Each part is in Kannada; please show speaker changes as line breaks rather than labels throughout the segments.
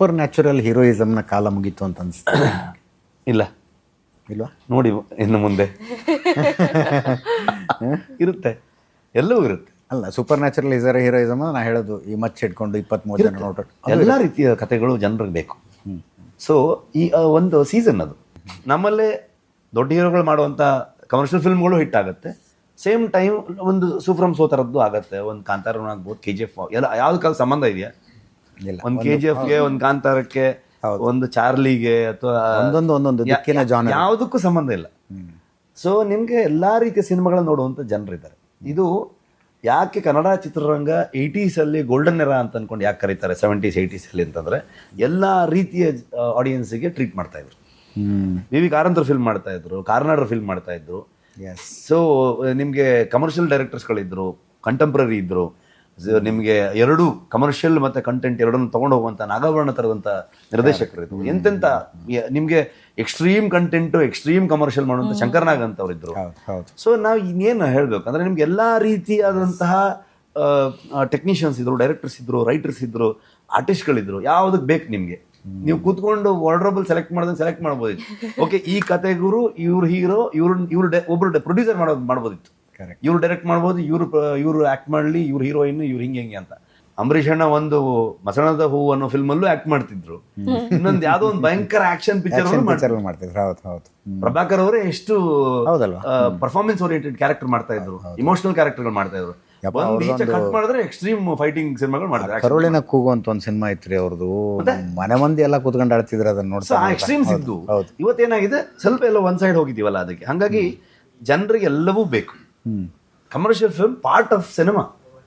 ಸೂಪರ್ ನ್ಯಾಚುರಲ್ ಹೀರೋಯಿಸಮ್ನ ಕಾಲ ಮುಗೀತು ಅಂತ ಅನಿಸ್ತದೆ?
ಇಲ್ಲ
ಇಲ್ವಾ?
ನೋಡಿ ಇನ್ನು ಮುಂದೆ ಇರುತ್ತೆ, ಎಲ್ಲವೂ ಇರುತ್ತೆ.
ಅಲ್ಲ, ಸೂಪರ್ ನ್ಯಾಚುರಲ್ ಹೀರೋಯಿಸಮ್ ನಾ ಹೇಳೋದು ಈ ಮಚ್ಚ ಹಿಡ್ಕೊಂಡು 23 ಜನ ನೋಡ್ರಿ
ಎಲ್ಲ ರೀತಿಯ ಕಥೆಗಳು ಜನರಿಗೆ ಬೇಕು. ಸೊ ಈ ಒಂದು ಸೀಸನ್ ಅದು ನಮ್ಮಲ್ಲೇ ದೊಡ್ಡ ಹೀರೋಗಳು ಮಾಡುವಂಥ ಕಮರ್ಷಿಯಲ್ ಫಿಲ್ಮ್ಗಳು ಹಿಟ್ ಆಗುತ್ತೆ. ಸೇಮ್ ಟೈಮ್ ಒಂದು ಸೂಫ್ರಮ್ ಸೋತರದ್ದು ಆಗುತ್ತೆ. ಒಂದು ಕಾಂತಾರ ಆಗ್ಬೋದು, KGF ಎಲ್ಲ ಯಾವ್ದಕ್ಕಾದ ಸಂಬಂಧ ಇದೆಯಾ? ಒಂದು KGFಗೆ, ಒಂದು ಕಾಂತಾರಕ್ಕೆ, ಒಂದು ಚಾರ್ಲಿಗೆ ಅಥವಾ
ಒಂದೊಂದು ದಿಕ್ಕಿನ ಜಾನರ್
ಯಾವುದಕ್ಕೂ ಸಂಬಂಧ ಇಲ್ಲ. ಸೊ ನಿಮಗೆ ಎಲ್ಲ ರೀತಿಯ ಸಿನಿಮಾಗಳನ್ನ ನೋಡುವಂಥ ಜನರಿದ್ದಾರೆ. ಇದು ಯಾಕೆ ಕನ್ನಡ ಚಿತ್ರರಂಗ 80s ಗೋಲ್ಡನ್ ಎರಾ ಅಂತ ಅನ್ಕೊಂಡು ಯಾಕೆ ಕರೀತಾರೆ 70s 80s ಅಂತಂದ್ರೆ ಎಲ್ಲ ರೀತಿಯ ಆಡಿಯನ್ಸಿಗೆ ಟ್ರೀಟ್ ಮಾಡ್ತಾ ಇದ್ರು. ವಿ ಕಾರಂತರ ಫಿಲ್ಮ್ ಮಾಡ್ತಾ ಇದ್ರು, ಕಾರ್ನಾಡರ್ ಫಿಲ್ಮ್ ಮಾಡ್ತಾ ಇದ್ರು. ಸೊ ನಿಮಗೆ ಕಮರ್ಷಿಯಲ್ ಡೈರೆಕ್ಟರ್ಸ್ಗಳಿದ್ರು, ಕಂಟೆಂಪ್ರರಿ ಇದ್ರು, ನಿಮಗೆ ಎರಡು ಕಮರ್ಷಿಯಲ್ ಮತ್ತೆ ಕಂಟೆಂಟ್ ಎರಡನ್ನು ತಗೊಂಡು ಹೋಗುವಂತ ನಾಗಾಭರಣ ತರದಂತ ನಿರ್ದೇಶಕರು ಇದ್ರು. ಎಂತೆಂತ ನಿಮ್ಗೆ ಎಕ್ಸ್ಟ್ರೀಮ್ ಕಂಟೆಂಟ್ ಎಕ್ಸ್ಟ್ರೀಮ್ ಕಮರ್ಷಿಯಲ್ ಮಾಡುವಂತ ಶಂಕರ್ನಾಗ್ ಅಂತ ಅವ್ರು ಇದ್ರು. ಸೊ ನಾವು ಇನ್ನೇನು ಹೇಳ್ಬೇಕು ಅಂದ್ರೆ ನಿಮ್ಗೆ ಎಲ್ಲಾ ರೀತಿಯಾದಂತಹ ಟೆಕ್ನಿಷಿಯನ್ಸ್ ಇದ್ರು, ಡೈರೆಕ್ಟರ್ಸ್ ಇದ್ರು, ರೈಟರ್ಸ್ ಇದ್ರು, ಆರ್ಟಿಸ್ಟ್ಗಳಿದ್ರು. ಯಾವ್ದಕ್ ಬೇಕು ನಿಮ್ಗೆ? ನೀವು ಕೂತ್ಕೊಂಡು ವಾರ್ಡ್ರೋಬಲ್ ಸೆಲೆಕ್ಟ್ ಮಾಡ್ಬೋದಿತ್ತು. ಓಕೆ, ಈ ಕತೆಗುರು, ಇವ್ರು ಹೀರೋ, ಒಬ್ರು ಪ್ರೊಡ್ಯೂಸರ್ ಮಾಡ್ಬೋದಿತ್ತು. ಇವ್ರು ಡೈರೆಕ್ಟ್ ಮಾಡ್ಬೋದು, ಇವ್ರು ಆಕ್ಟ್ ಮಾಡ್ಲಿ, ಇವ್ರು ಹೀರೋಯಿನ್, ಇವ್ರು ಹಿಂಗೆ ಅಂತ. ಅಂಬರೀಷ್ ಅಣ್ಣ ಒಂದು ಮಸಣದ ಹೂ ಅನ್ನೋ ಫಿಲ್ಮ್ ಅಲ್ಲೂ ಆಕ್ಟ್ ಮಾಡ್ತಿದ್ರು. ಇನ್ನೊಂದು ಯಾವ್ದೋ ಒಂದು ಭಯಂಕರ ಆಕ್ಷನ್ ಪಿಕ್ಚರ್
ಮಾಡ್ತಿದ್ರು.
ಪ್ರಭಾಕರ್ ಅವರೇ ಎಷ್ಟು ಪರ್ಫಾರ್ಮೆನ್ಸ್ ಓರಿಯೆಂಟೆಡ್ ಕ್ಯಾರೆಕ್ಟರ್ ಮಾಡ್ತಾ ಇದ್ರು, ಇಮೋಷನಲ್ ಕ್ಯಾರೆಕ್ಟರ್ಗಳು ಮಾಡ್ತಾ ಇದ್ರು. ಕಟ್ ಮಾಡಿದ್ರೆ ಎಕ್ಸ್ಟ್ರೀಮ್ ಫೈಟಿಂಗ್ ಸಿನಿಮಾಗಳು ಮಾಡ್ತಾರೆ.
ಕರುಳಿನ ಕೂಗು ಅಂತ ಒಂದು ಸಿನಿಮಾ ಐತ್ರಿ ಅವ್ರದ್ದು, ಮನೆ ಮಂದಿ ಎಲ್ಲ ಕೂತ್ಕೊಂಡು ಆಡ್ತಿದ್ರು ಅದನ್ನ ನೋಡ್ತಾ.
ಎಕ್ಸ್ಟ್ರೀಮ್ಸ್ ಇದ್ದು ಇವತ್ತೇನಾಗಿದೆ, ಸ್ವಲ್ಪ ಎಲ್ಲ ಒಂದ್ ಸೈಡ್ ಹೋಗಿದೀವಲ್ಲ, ಅದಕ್ಕೆ ಹಂಗಾಗಿ ಜನರಿಗೆ ಎಲ್ಲವೂ ಬೇಕು. Commercial film part of cinema.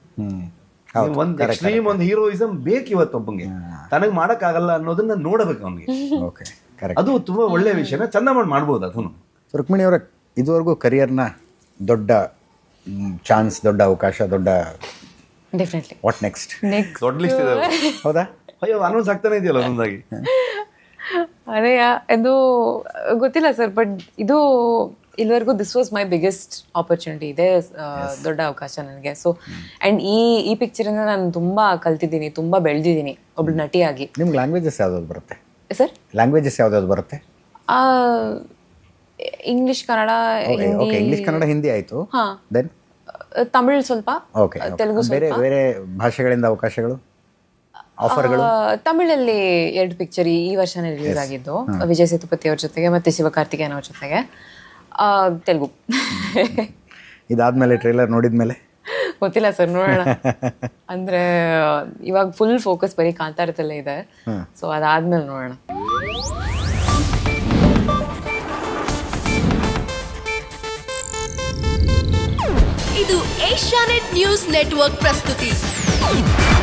ಒಂದು ಎಕ್ಸ್ಟ್ರೀಮ್ ಒಂದು ಹೀರೋಯಿಸಮ್ ಬೇಕು ಇವತ್ತೊಬ್ಬಂಗೆ. ತನಗ್ ಮಾಡಕ್ ಆಗಲ್ಲ ಅನ್ನೋದನ್ನ ನೋಡಬೇಕು ಅವನಿಗೆ. ಅದು ತುಂಬಾ ಒಳ್ಳೆ ವಿಷಯನ ಚಂದ ಮಾಡ್ಬೋದು. ಅದನ್ನು
ರುಕ್ಮಿಣಿ ಅವರ ಇದುವರೆಗೂ ಕರಿಯರ್ನ ದೊಡ್ಡ ಚಾನ್ಸ್, ದೊಡ್ಡ ಅವಕಾಶ, ದೊಡ್ಡ
ಡೆಫಿನೆಟ್ಲಿ
ವಾಟ್ ನೆಕ್ಸ್ಟ್
ದೊಡ್ಡ ಲಿಸ್ಟ್ ಇದೆ.
ಹೌದಾ?
ಅಯ್ಯೋ, ಅನೌನ್ಸ್ ಆಗ್ತಾನೆ ಇದೆಯಲ್ಲ ಒಂದೊಂದಾಗಿ.
ಅದೇ ಇದು ಗೊತ್ತಿಲ್ಲ ಸರ್, ಬಟ್ ಇದು ಇಲ್ಲಿವರೆಗೂ this was my biggest opportunity. ಇದೆ ದೊಡ್ಡ ಅವಕಾಶ ನನಗೆ. ಸೊ ಆ್ಯಂಡ್ ಈ ಪಿಕ್ಚರಿಂದ ನಾನು ತುಂಬಾ ಕಲ್ತಿದ್ದೀನಿ, ತುಂಬಾ ಬೆಳೆದಿದ್ದೀನಿ ಒಬ್ಳು ನಟಿಯಾಗಿ.
ನಿಮ್ಗೆ ಲ್ಯಾಂಗ್ವೇಜಸ್ ಯಾವ್ದಾದ್ರು ಬರುತ್ತೆ
ಸರ್?
ಲ್ಯಾಂಗ್ವೇಜಸ್ ಯಾವ್ದಾದ್ರು ಬರುತ್ತೆ?
ಇಂಗ್ಲಿಷ್, ಕನ್ನಡ, ಹಿಂದಿ.
ಇಂಗ್ಲಿಷ್, ಕನ್ನಡ, ಹಿಂದಿ ಆಯ್ತು. ದೆನ್
ತಮಿಳ್ ಸ್ವಲ್ಪ, ತೆಲುಗು
ಬೇರೆ ಬೇರೆ ಭಾಷೆಗಳಿಂದ ಅವಕಾಶಗಳು, ಆಫರ್ಗಳು?
ತಮಿಳಲ್ಲಿ 2 ಪಿಕ್ಚರ್ ಈ ವರ್ಷನೇ ರಿಲೀಸ್ ಆಗಿದ್ದು, ವಿಜಯ್ ಸೇತುಪತಿ ಅವ್ರ ಜೊತೆಗೆ ಮತ್ತೆ ಶಿವಕಾರ್ತಿಕೇಯನ್ ಅವ್ರ ಜೊತೆಗೆ. ತೆಲುಗು.
ಇದಾದ್ಮೇಲೆ ಟ್ರೇಲರ್ ನೋಡಿದ್ಮೇಲೆ
ಗೊತ್ತಿಲ್ಲ ಸರ್, ನೋಡೋಣ. ಅಂದ್ರೆ ಇವಾಗ ಫುಲ್ ಫೋಕಸ್ ಬರೀ ಕಾಂತಾರದಲ್ಲೇ ಇದೆ. ಸೊ ಅದಾದ್ಮೇಲೆ ನೋಡೋಣ.
ಇದು ಏಷ್ಯಾನೆಟ್ ನ್ಯೂಸ್ ನೆಟ್ವರ್ಕ್ ಪ್ರಸ್ತುತಿ.